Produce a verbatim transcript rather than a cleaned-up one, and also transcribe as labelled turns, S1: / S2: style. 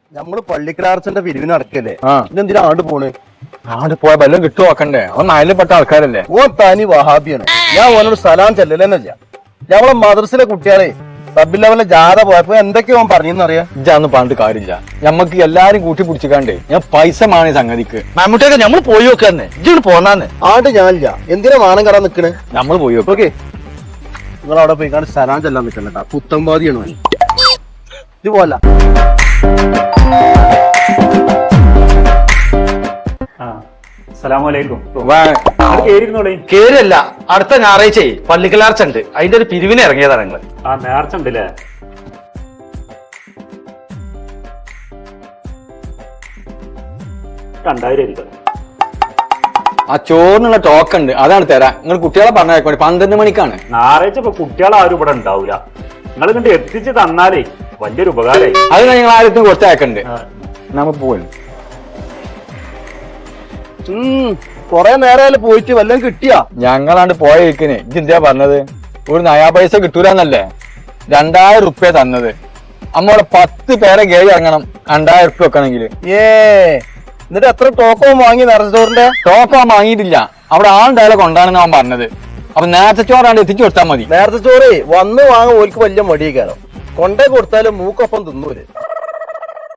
S1: നമ്മള് പള്ളിക്കലാർച്ചന്റെ പിരിവിന് നടക്കല്ലേ
S2: ആ
S1: ഇതെന്തിനാ ആണ്ട് പോണ്?
S2: ആണ്ട് പോയ വല്ലതും കിട്ടു നോക്കണ്ടേ? അവൻ നാലിൽപ്പെട്ട ആൾക്കാരല്ലേ.
S1: ഓ തനി വഹാബിയാണ്. ഞാൻ ഓനോട് സലാം ചെല്ലലെന്നല്ല. ഞമ്മളെ മദ്രസിലെ കുട്ടികളെ സബ് ലെവലിലെ ജാഥ പോയപ്പോ എന്തൊക്കെയോ അവൻ പറഞ്ഞെന്നറിയാം.
S2: ഇജാന്ന് പറഞ്ഞിട്ട് കാര്യമില്ല. ഞമ്മക്ക് എല്ലാരും കൂട്ടി പിടിച്ചിക്കാണ്ടേ ഞാൻ പൈസ മാണ് സംഗതിക്ക്.
S3: മമ്മൂട്ടിയൊക്കെ നമ്മൾ പോയി നോക്കാന്നെ, ഇജ്ജ് പോന്നാന്ന്.
S1: ആണ്ട് ഞാനില്ല. എന്തിനാ മാനം കടാൻ നിക്കണേ?
S2: നമ്മൾ പോയി നോക്കാം.
S1: ഓക്കെ, നിങ്ങൾ അവിടെ പോയി കാണാൻ സലാം ചെല്ലാൻ നിൽക്കണ്ട. പുത്തമ്പാതിയാണ് അവൻ. ഇത് പോല
S3: കേരല്ല അടുത്ത ഞായറാഴ്ച പള്ളിക്കലാർച്ച ഉണ്ട്, അതിന്റെ ഒരു പിരിവിന് ഇറങ്ങിയതാണ് നിങ്ങള്.
S4: ആ നേർച്ച ഉണ്ടല്ലേ? രണ്ടായിരം
S2: ആ ചോറിനുള്ള ടോക്ക് ഉണ്ട്, അതാണ് തരാം. നിങ്ങൾ കുട്ടികളെ പറഞ്ഞേക്കോട്ടെ, പന്ത്രണ്ട് മണിക്കാണ്
S4: ഞായറാഴ്ച. ഇപ്പൊ കുട്ടികളാരും ഇവിടെ ഉണ്ടാവൂല. നിങ്ങൾ കണ്ട് എത്തിച്ച് തന്നാലേ വലിയൊരു ഉപകാരമായി.
S2: അത് നിങ്ങൾ ആരും കൊടുത്തയക്കണ്ട്. നമുക്ക് പോലും
S1: കൊറേ നേരം പോയിട്ട് വല്ലതും കിട്ടിയാ?
S2: ഞങ്ങളാണ്ട് പോയ ഇരിക്കണേ. ഇതെന്താ പറഞ്ഞത്? ഒരു നയാ പൈസ കിട്ടൂലെന്നല്ലേ രണ്ടായിരം റുപ്യ തന്നത്. നമ്മടെ പത്ത് പേരെ ഗേജ് ഇറങ്ങണം രണ്ടായിരം റുപ്യ വെക്കണമെങ്കിൽ.
S1: ഏ എന്നിട്ട് എത്ര ടോക്കോ വാങ്ങി നിറച്ചോറിന്റെ?
S2: ടോക്കോ വാങ്ങിയിട്ടില്ല. അവിടെ ആളുണ്ടായാലും കൊണ്ടാണെന്ന് അവൻ പറഞ്ഞത്. അപ്പൊ നേരത്തെ ചോറാണ്ട് എത്തിച്ചു കൊടുത്താൽ മതി.
S1: നേരത്തെ ചോറ് വന്ന് വാങ്ങാൻ ഓൽക്ക് വലിയ മടിയേക്കാരോ. കൊണ്ടേ കൊടുത്താലും മൂക്കൊപ്പം തിന്നൂര്.